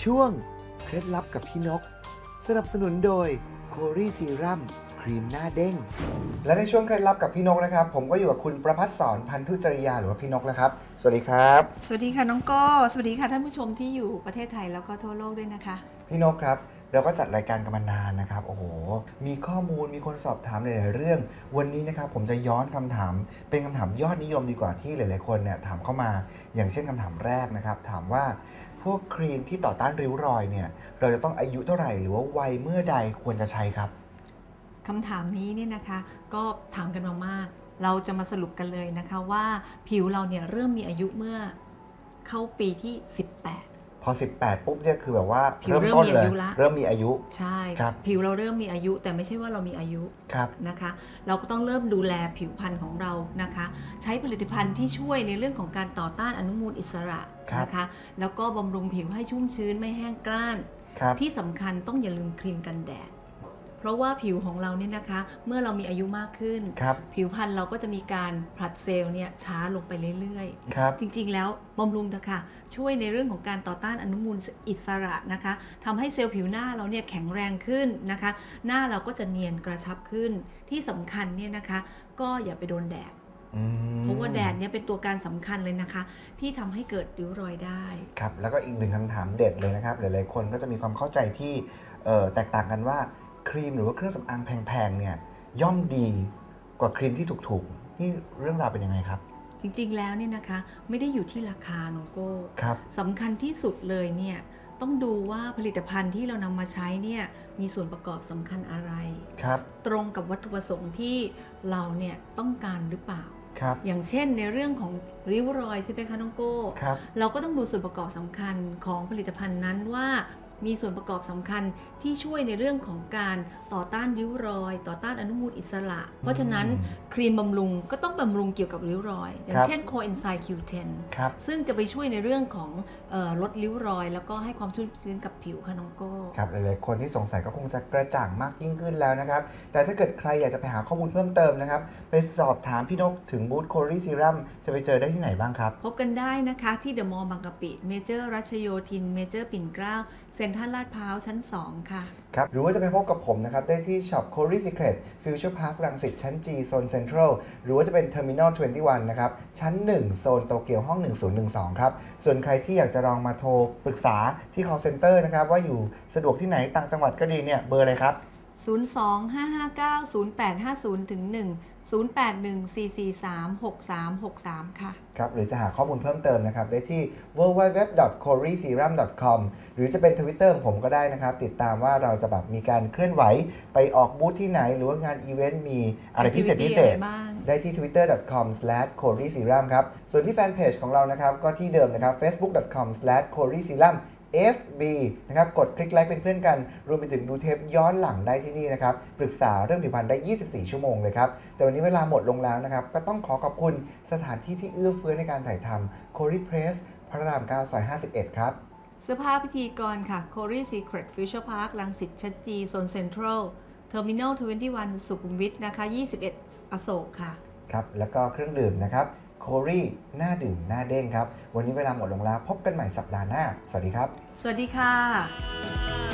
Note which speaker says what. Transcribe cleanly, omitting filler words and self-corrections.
Speaker 1: ช่วงเคล็ดลับกับพี่นกสนับสนุนโดยโครีซีรัมครีมหน้าเด้งและในช่วงเคล็ดลับกับพี่นกนะครับผมก็อยู่กับคุณประภัสสรพันธุจริยาหรือว่าพี่นกแล้วครับสวัสดีครับ
Speaker 2: สวัสดีค่ะน้องโก้สวัสดีค่ะท่านผู้ชมที่อยู่ประเทศไทยแล้วก็ทั่วโลกด้วยนะคะ
Speaker 1: พี่นกครับเราก็จัดรายการกันมานานนะครับโอ้โหมีข้อมูลมีคนสอบถามหลายๆเรื่องวันนี้นะครับผมจะย้อนคำถามเป็นคำถามยอดนิยมดีกว่าที่หลายๆคนเนี่ยถามเข้ามาอย่างเช่นคำถามแรกนะครับถามว่าพวกครีมที่ต่อต้านริ้วรอยเนี่ยเราจะต้องอายุเท่าไหร่หรือว่าวัยเมื่อใดควรจะใช้ครับ
Speaker 2: คำถามนี้เนี่ยนะคะก็ถามกันมามากเราจะมาสรุปกันเลยนะคะว่าผิวเราเนี่ยเริ่มมีอายุเมื่อเข้าปีที่18
Speaker 1: พอ18ปุ๊บเนี่ยคือแบบว่า
Speaker 2: ผิวเริ่มมีอายุละ
Speaker 1: เริ่มมีอายุ
Speaker 2: ใช่ผิวเราเริ่มมีอายุแต่ไม่ใช่ว่าเรามีอายุนะคะเราก็ต้องเริ่มดูแลผิวพรรณของเรานะคะใช้ผลิตภัณฑ์ที่ช่วยในเรื่องของการต่อต้านอนุมูลอิสระนะคะแล้วก็บำรุงผิวให้ชุ่มชื้นไม่แห้งกร้านที่สำคัญต้องอย่าลืมครีมกันแดดเพราะว่าผิวของเราเนี่ยนะคะเมื่อเรามีอายุมากขึ้นผิวพรรณเราก็จะมีการผลัดเซลล์เนี่ยช้าลงไปเรื่อยๆจริงๆแล้วบำรุงนะคะช่วยในเรื่องของการต่อต้านอนุมูลอิสระนะคะทำให้เซลล์ผิวหน้าเราเนี่ยแข็งแรงขึ้นนะคะหน้าเราก็จะเนียนกระชับขึ้นที่สำคัญเนี่ยนะคะก็อย่าไปโดนแดดเพราะว่าแดดเนี่ยเป็นตัวการสำคัญเลยนะคะที่ทำให้เกิดริ้วรอยได้
Speaker 1: ครับแล้วก็อีกหนึ่งคำถามเด็ดเลยนะครับหลายๆคนก็จะมีความเข้าใจที่แตกต่างกันว่าครีมหรือว่าเครื่องสำอางแพงๆเนี่ยย่อมดีกว่าครีมที่ถูกๆนี่เรื่องราวเป็นยังไงครับ
Speaker 2: จริงๆแล้วเนี่ยนะคะไม่ได้อยู่ที่ราคาน้องโก้สำคัญที่สุดเลยเนี่ยต้องดูว่าผลิตภัณฑ์ที่เรานำมาใช้เนี่ยมีส่วนประกอบสำคัญอะไรตรงกับวัตถุประสงค์ที่เราเนี่ยต้องการหรือเปล่าอย่างเช่นในเรื่องของริ้วรอยใช่ไหมคะน้องโก้เราก็ต้องดูส่วนประกอบสำคัญของผลิตภัณฑ์นั้นว่ามีส่วนประกอบสำคัญที่ช่วยในเรื่องของการต่อต้านริ้วรอยต่อต้านอนุมูลอิสระเพราะฉะนั้นครีมบำรุงก็ต้องบำรุงเกี่ยวกับริ้วรอยอย่างเช่นโคเอนไซม์ Q10 ซึ่งจะไปช่วยในเรื่องของลดริ้วรอยแล้วก็ให้ความชุ่มชื้นกับผิวค่ะน้องโก้
Speaker 1: ครับหลายๆคนที่สงสัยก็คงจะกระจ่างมากยิ่งขึ้นแล้วนะครับแต่ถ้าเกิดใครอยากจะไปหาข้อมูลเพิ่มเติมนะครับไปสอบถามพี่นกถึงบูธโครีซีรัมจะไปเจอได้ที่ไหนบ้างครับ
Speaker 2: พบกันได้นะคะที่เดอะมอลล์บางกะปิเมเจอร์รัชโยธินเมเจอร์ปิ่นเกล้าเซ็นทรัลลาดพร้าวชั้น2ค่ะ
Speaker 1: ครับหรือว่าจะไปพบกับผมนะครับได้ที่ช็อป Cory Secret Future Park รังสิตชั้น G โซน Central หรือว่าจะเป็น Terminal 21 นะครับชั้น 1 โซนโตเกียวห้อง 1012 ครับส่วนใครที่อยากจะลองมาโทรปรึกษาที่ call center นะครับว่าอยู่สะดวกที่ไหนต่างจังหวัดก็ดีเนี่ยเบอร์อะไรครับ
Speaker 2: 025590850-1 0814436363 ค่ะ
Speaker 1: ครับหรือจะหาข้อมูลเพิ่มเติมนะครับได้ที่ www.coryserum.com หรือจะเป็น Twitter ของผมก็ได้นะครับติดตามว่าเราจะแบบมีการเคลื่อนไหวไปออกบูธที่ไหนหรือว่างานอีเวนต์มีอะไรพิเศษได้ที่ twitter.com/coryserum ครับส่วนที่แฟนเพจของเรานะครับก็ที่เดิมนะครับ facebook.com/coryserum FB นะครับกดคลิกไลค์เป็นเพื่อนกันรวมไปถึงดูเทปย้อนหลังได้ที่นี่นะครับปรึกษาเรื่องผิวพรรณได้24ชั่วโมงเลยครับแต่วันนี้เวลาหมดลงแล้วนะครับก็ต้องขอบคุณสถานที่ที่เอื้อเฟื้อในการถ่ายทำ Cory Press พระราม 9 ซอย 51 ครับ
Speaker 2: เสื้อผ้าพิธีกรค่ะ Cory Secret Future Park รังสิตชั้น G โซน Central Terminal 21 สุขุมวิทนะคะ21 อโศกค่ะ
Speaker 1: ครับแล้วก็เครื่องดื่มนะครับCory หน้าดื่มหน้าเด้งครับวันนี้เวลาหมดลงแล้วพบกันใหม่สัปดาห์หน้าสวัสดีครับ
Speaker 2: สวัสดีค่ะ